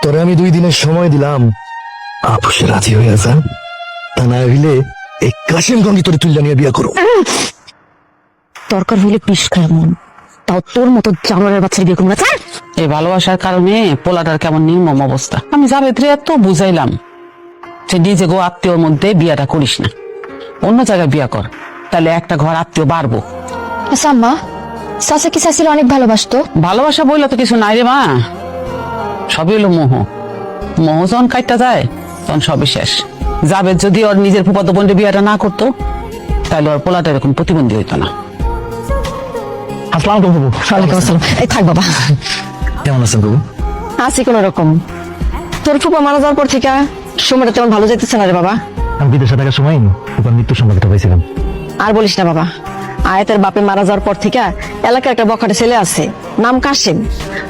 তোরে আমি 2 দিনের সময় দিলাম, আপসে রাজি হয়ে যা, তা না হইলে এই কাশিম গঙ্গি তোরে তুল্লা নিয়ে বিয়া করো। দরকার হইলে পিস খায় মন, তাও তোর মতো জানোয়ারের বাচ্চার বিয়ে করবো না। এই ভালোবাসার কারণে পোলাটার কেমন নির্মম অবস্থা। আমি জাবেদরে এত বুঝাইলাম যে নিজে গো আত্মীয়র মধ্যে বিয়াটা করিস না, অন্য জায়গায় বিয়া কর, তাহলে একটা ঘর আত্মীয় বাড়বো। আচ্ছা আম্মা, চাচা কি চাচির অনেক ভালোবাসতো? ভালোবাসা বইলে তো কিছু নাই রে মা, সবই হলো মোহ। মোহ যখন কাটটা যায় তখন সবই শেষ। জাবেদ যদি ওর নিজের ফুফাতো বোনের বিয়াটা না করতো, তাহলে ওর পোলাটা এরকম প্রতিবন্ধী হইতো না। আসসালাম আলাইকুম বাবু। ওয়ালাইকুম আসসালাম। এই থাক বাবা, কেমন আছেন বাবু? আছি কোন রকম। তোর ফুপা মারা যাওয়ার পর থেকে সময়টা তেমন ভালো যেতেছে না রে বাবা। আমি বিদেশে থাকার সময় ওখানে মৃত্যুর সংবাদটা পাইছিলাম। আর বলিস না বাবা, আয়াতের বাপে মারা যাওয়ার পর থেকে এলাকার একটা বখাটে ছেলে আছে, নাম কাশেম।